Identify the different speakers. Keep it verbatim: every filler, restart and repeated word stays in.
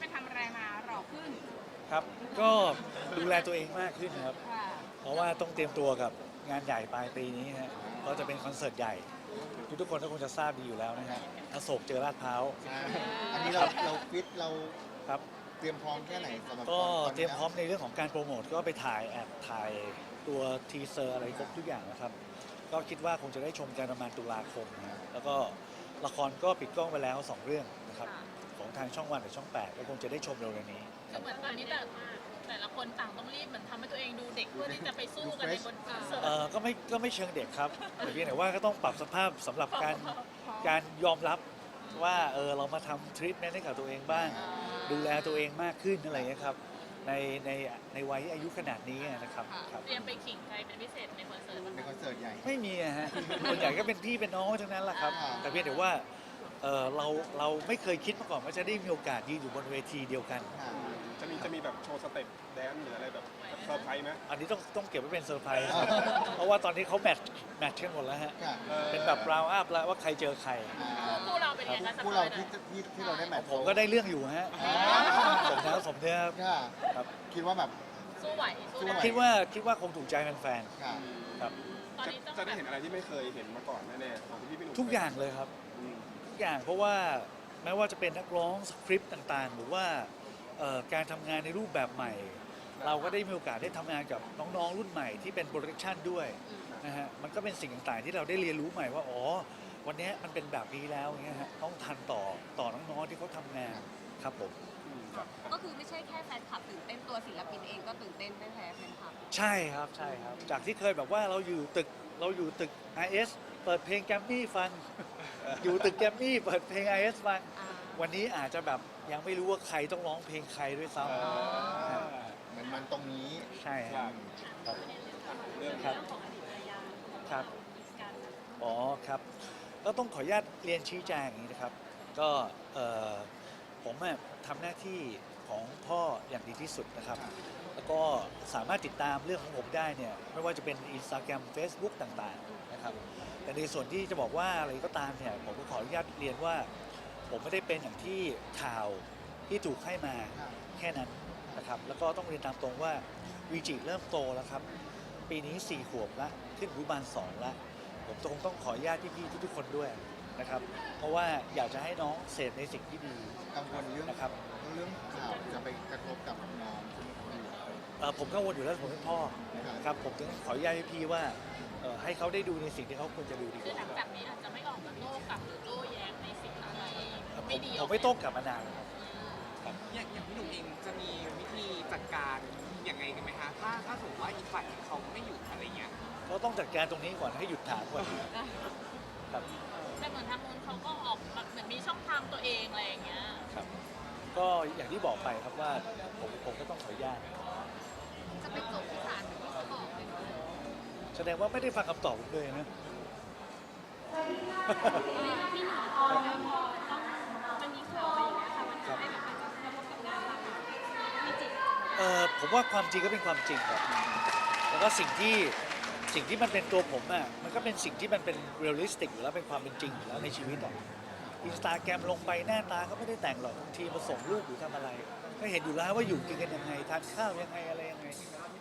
Speaker 1: ไปทำอะไรมาหล่อขึ้น
Speaker 2: ครับก็ดูแลตัวเองมากขึ้นครับเพราะว่าต้องเตรียมตัวกับงานใหญ่ปลายปีนี้ฮะก็จะเป็นคอนเสิร์ตใหญ่ทุกทุกคนก็คงจะทราบดีอยู่แล้วนะฮะอโศกเจอลาดพร้าว
Speaker 3: อันนี้เราเราฟิตเรา
Speaker 2: ครับ
Speaker 3: เตรียมพร้อมแค่ไหนสำหรับ
Speaker 2: ก็
Speaker 3: ตอนนี้
Speaker 2: เตรียมพร้อมในเรื่องของการโปรโมทก็ไปถ่ายแอบถ่ายตัวทีเซอร์อะไรครบทุกอย่างนะครับก็คิดว่าคงจะได้ชมกันประมาณตุลาคมนะแล้วก็ละครก็ปิดกล้องไปแล้วสองเรื่องนะครับของทางช่องวันกับช่องแปดก็คงจะได้ชมเร็วๆนี้
Speaker 4: คือเหมือนตอนนี้แต่แต่ละคนต่างต้องรีบเหมือนทำให้ตัวเองดูเด็กเพื่อที่จะไปสู้กันในบนคอนเสิร์ต
Speaker 2: เอ่อก็ไม่ก็ไม่เชิงเด็กครับแต่เพียงแต่ว่าก็ต้องปรับสภาพสำหรับการการยอมรับว่าเออเรามาทำทรีทเมนต์ให้กับตัวเองบ้าง ดูแลตัวเองมากขึ้นอะไรอย่างเงี้ยครับในในในวัยอายุขนาดนี้นะครับครับ
Speaker 4: เตรียมไปขิงใครเป็นพิเศษในคอนเสิร์ตบ้าง
Speaker 3: ในคอนเสิร์ตใหญ่
Speaker 2: ไม่มีอะฮะส่วนใหญ่ก็เป็นพี่เป็นน้องทั้งนั้นแหละครับ
Speaker 3: อ่า
Speaker 2: แต่เพียงแต่ว่าเออเราเราไม่เคยคิดมาก่อนว่าจะได้มีโอกาสยืนอยู่บนเวทีเดียวกัน
Speaker 3: ค่ะ
Speaker 5: จะมีจะมีแบบโชว์สเต็ปแดนซ์หรืออะไรแบบเซอร์ไพรส์ไหม
Speaker 2: อันนี้ต้องต้องเก็บไว้เป็นเซอร์ไพรส์ครับเพราะว่าตอนนี้เขาแมทช์แมทช์กันหมดแล้วฮะ
Speaker 3: ค่ะ
Speaker 2: เป็นแบบราวอัพแล้วว่าใครเจอใคร
Speaker 4: คู่เราเป็นไงคะส
Speaker 3: ผู้
Speaker 4: ป
Speaker 3: เรา
Speaker 4: อยหน่อ
Speaker 3: ที่
Speaker 4: ย
Speaker 3: ที่ที่เราได้แมตช์
Speaker 2: ผมก็ได้เรื่องอยู่ฮะ
Speaker 3: อ่า
Speaker 2: สมแล้วสมเนื้อ
Speaker 3: ค่ะ
Speaker 2: ครับ
Speaker 3: คิดว่าแบบ
Speaker 4: สู้ไหวสู้
Speaker 3: สู้
Speaker 4: ได้
Speaker 3: ไหว
Speaker 2: คิดว่าคิดว่าคงถูกใจแฟน
Speaker 3: ค่ะ
Speaker 2: ๆครับ
Speaker 4: ตอน
Speaker 5: จะ
Speaker 4: นี้ต้อง
Speaker 5: จะได้เห็นอะไรที่ไม่เคยเห็นมาก่อนแน่ๆของพี่พี่หนุ่ม
Speaker 2: ทุกอย่างเลยครับ
Speaker 5: อืม
Speaker 2: ทุกอย่างเพราะว่าแม้ว่าจะเป็นนักร้องสคริปต์ต่างๆ หรือว่าเอ่อการทำงานในรูปแบบใหม่ เราก็ได้มีโอกาสได้ทำงานกับน้องๆรุ่นใหม่ที่เป็นโปรดักชันด้วยนะฮะมันก็เป็นสิ่งต่างๆที่เราได้เรียนรู้ใหม่ว่าอ๋อวันนี้มันเป็นแบบนี้แล้วอย่างเงี้ยฮะต้องทันต่อต่อน้องๆที่เขาทำงานครับผม
Speaker 6: ก็คือไม่ใช่แค่แฟนคลับตื่นเต้นตัวศิลปินเองก็ตื่นเต้นไม่แพ้แฟนคลับ
Speaker 2: ใช่ครับใช่ครับจากที่เคยแบบว่าเราอยู่ตึกเราอยู่ตึก ไอ เอส เปิดเพลงแกรมมี่ฟัง อยู่ตึกแกรมมี่เปิดเพลง ไอ เอส ฟัง
Speaker 6: อ่า
Speaker 2: วันนี้อาจจะแบบยังไม่รู้ว่าใครต้องร้องเพลงใครด้วยซ้ำฮะ
Speaker 3: เหมือนมันตรงนี้
Speaker 2: ใช่ครับครับ
Speaker 5: เรื่อง
Speaker 2: ครับครับอ๋อครับก็ต้องขออนุญาตเรียนชี้แจงอย่างนี้นะครับ ก็เอ่อผมอะทำหน้าที่ของพ่ออย่างดีที่สุดนะครับ แล้วก็สามารถติดตามเรื่องของผมได้เนี่ยไม่ว่าจะเป็น Instagram Facebook ต่างๆนะครับแต่ในส่วนที่จะบอกว่าอะไรก็ตามเนี่ยผมก็ขออนุญาตเรียนว่า ผมไม่ได้เป็นอย่างที่ข่าวที่ถูกให้มา
Speaker 3: ครับ
Speaker 2: แค่นั้นนะครับแล้วก็ต้องเรียนตามตรงว่าวีจิเริ่มโตแล้วครับ ปีนี้สี่ขวบละขึ้นอนุบาลสองละผมคงต้องขออนุญาตพี่ๆทุกๆคนด้วยนะครับ เพราะว่าอยากจะให้น้องเสพในสิ่งที่ดี
Speaker 3: กังวลเรื่อง
Speaker 2: นะครับ
Speaker 3: เรื่องข่าวจะไปกระทบกับน้องใช่ไหมครับพี่
Speaker 2: เอ่อผมกังวลอยู่แล้วผมเป็นพ่อนะครับผมถึงขออนุญาตให้พี่ว่าเอ่อให้เขาได้ดูในสิ่งที่เขาควรจะดูดีก
Speaker 4: คือหลัง
Speaker 2: ว่า
Speaker 4: จากนี้อาจจะไม่ออกมาโต้กลับหรือโต้แย้งในสิ่งอะไร
Speaker 2: ผม
Speaker 4: ไม่ดี
Speaker 2: ผมไม่โต้กลับมานานแล้วครับ
Speaker 7: อย่างอย่างพี่หนุ่มเองจะมีวิธีจัดการยังไงกันไหมคะถ้าถ้าสมมติว่าอีกฝ่ายเขาไม่หยุดอะไรเงี้ย
Speaker 2: เขาต้องจัดการตรงนี้ก่อนให้หยุดถามก่อนครับ
Speaker 4: แต่เหมือนทางนู้นเขาก็ออกมาเหมือนมีช่องทางตัวเองอะไรอย่างเงี้ย
Speaker 2: ครับก็อย่างที่บอกไปครับว่าผมผมก็ต้องขออนุญาต
Speaker 6: จะไปจบที่ศาลที่เขาบอกเลย
Speaker 2: แสดงว่าไม่ได้ฟังคำตอบผมเลยนะ
Speaker 6: พี่หนุ่มพอแล้วพอต้องมันมีข่าวอะไรอย่างเงี้ยค่ะมันจะได้แบบมันจะกระทบกับงานเราพี่จิต
Speaker 2: เอ่อผมว่าความจริงก็เป็นความจริงครับแล้วก็สิ่งที่สิ่งที่มันเป็นตัวผมอ่ะมันก็เป็นสิ่งที่มันเป็นเรียลลิสติกอยู่แล้วเป็นความเป็นจริงอยู่แล้วในชีวิตอ่ะอินสตาแกรมลงไปหน้าตาก็ไม่ได้แต่งหรอกบางทีมาส่งรูปหรือทำอะไร ก็เห็นอยู่แล้วว่าอยู่กินกันยังไงทานข้าวยังไงอะไรยังไง